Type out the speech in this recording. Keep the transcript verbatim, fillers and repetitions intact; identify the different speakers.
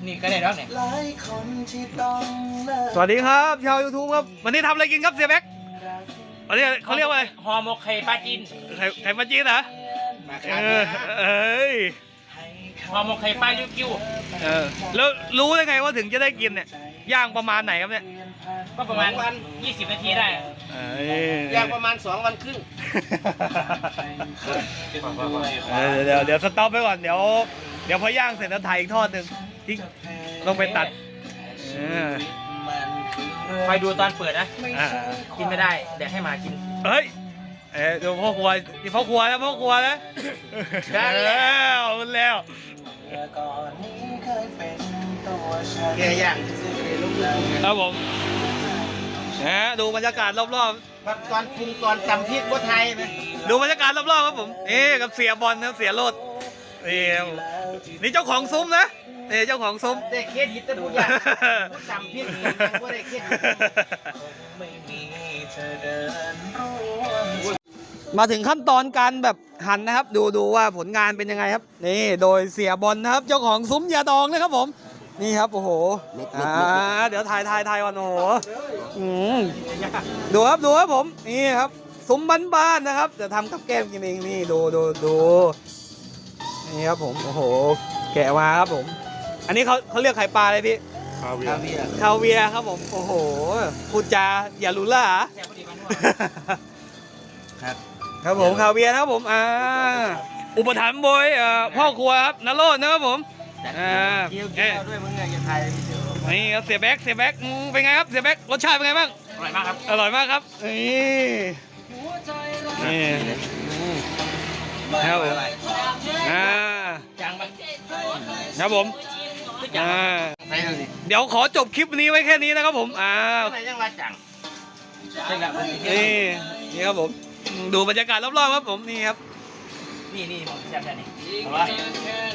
Speaker 1: นี่ก็ได้แล้วเนี่ย
Speaker 2: สวัสดีครับชาวยูทูบครับวันนี้ทำอะไรกินครับเสียแบ็ควันนี้เขาเรียกว่าอะไร
Speaker 1: ห่อหมกไข่ปลาจีน
Speaker 2: ไข่ไข่ปลาจีนเหรอเออเอ้ย
Speaker 1: ห่อหมกไข่ปลาลิ้วกิ้ว
Speaker 2: เออแล้วรู้ได้ไงว่าถึงจะได้กินเนี่ยย่างประมาณไหนครับเนี่ย
Speaker 1: ก็ประมาณยี่สิบนาทีได้
Speaker 2: เอ้ย
Speaker 3: ย่างประมาณสองวันครึ่ง
Speaker 2: เออเดี๋ยวเดี๋ยวสต็อปไปก่อนเดี๋ยวเดี๋ยวพอย่างเสร็จแล้วถ่ายอีกทอดหนึ่งที่ลงไปตัดเออ
Speaker 1: คอยดูตอนเปิดนะ
Speaker 2: อ่า
Speaker 1: กินไม่ได้แดกให้หมากิน
Speaker 2: เฮ้ยเอ้ยเดี๋ยวพ่อครัวนี่พ่อครัวแล้วพ่อครัวแล้ว
Speaker 1: ได้แล้ว
Speaker 2: มันแล้ว
Speaker 3: แกย่างลูก
Speaker 2: ครับผมนะดูบรรยากาศรอบ
Speaker 3: แบบตอนปรุงตอนตำพริกบัวไทยไหม
Speaker 2: ๆดูบรรยากาศรอบๆครับผมนี่กับเสียบอลนะเสียโรดนี่ครับผมนี่เจ้าของซุ้มนะนี่เจ้าของซุ้ม
Speaker 3: ได้เครดิตแต่ผู้ย่างผู้ตำพริกยังบ่ได้เครดิต
Speaker 2: มาถึงขั้นตอนการแบบหั่นนะครับ ดูดูว่าผลงานเป็นยังไงครับนี่โดยเสียบอลนะครับ เจ้าของซุ้มยาดองนะครับผมนี่ครับโอ้โหอ่าเดี๋ยวถ่ายถ่ายถ่ายก่อนโอ้โหอืมดูครับดูครับผมนี่ครับซุ้มบ้านๆนะครับจะทำกับแก้มกินเองนี่ดูดูดูนี่ครับผมโอ้โหแกะมาครับผม อันนี้เขาเขาเรียกไข่ปลาอะไรพี่
Speaker 3: คาเวียร์
Speaker 2: คาเวียร์ครับผมโอ้โหพูดจาอย่ารู้ล่า
Speaker 1: แค่พอดีมันนวด
Speaker 3: ครับ
Speaker 2: ครับผมคาเวียร์นะครับผมอ่าอุปถัมภ์โดยเอ่อพ่อครัวครับนโรจน์นะครับผมอ่า
Speaker 3: เกี่ยวเกี่ยวด้วยมึงไงจะไทยพี่เดียว
Speaker 2: นี่ครับเสียแบ็กเสียแบ็กอืมเป็นไงครับเสียแบ็กรสชาติเป็นไงบ้าง
Speaker 1: อร่อยมากครับ
Speaker 2: อร่อยมากครับนี่นี่อืมครับผมอ่า
Speaker 1: จางไป
Speaker 2: ครับผมอ่า
Speaker 3: ไหนดูสิ
Speaker 2: เดี๋ยวขอจบคลิปนี้ไว้แค่นี้นะครับผมอ่า
Speaker 3: ไหนยังมาจัง
Speaker 1: ใช่แล้ว
Speaker 2: นี่นี่ครับผมดูบรรยากาศรอบๆครับผมนี่ครับ
Speaker 1: นี่นี่ผมแซ่บแค่นี้เอาวะ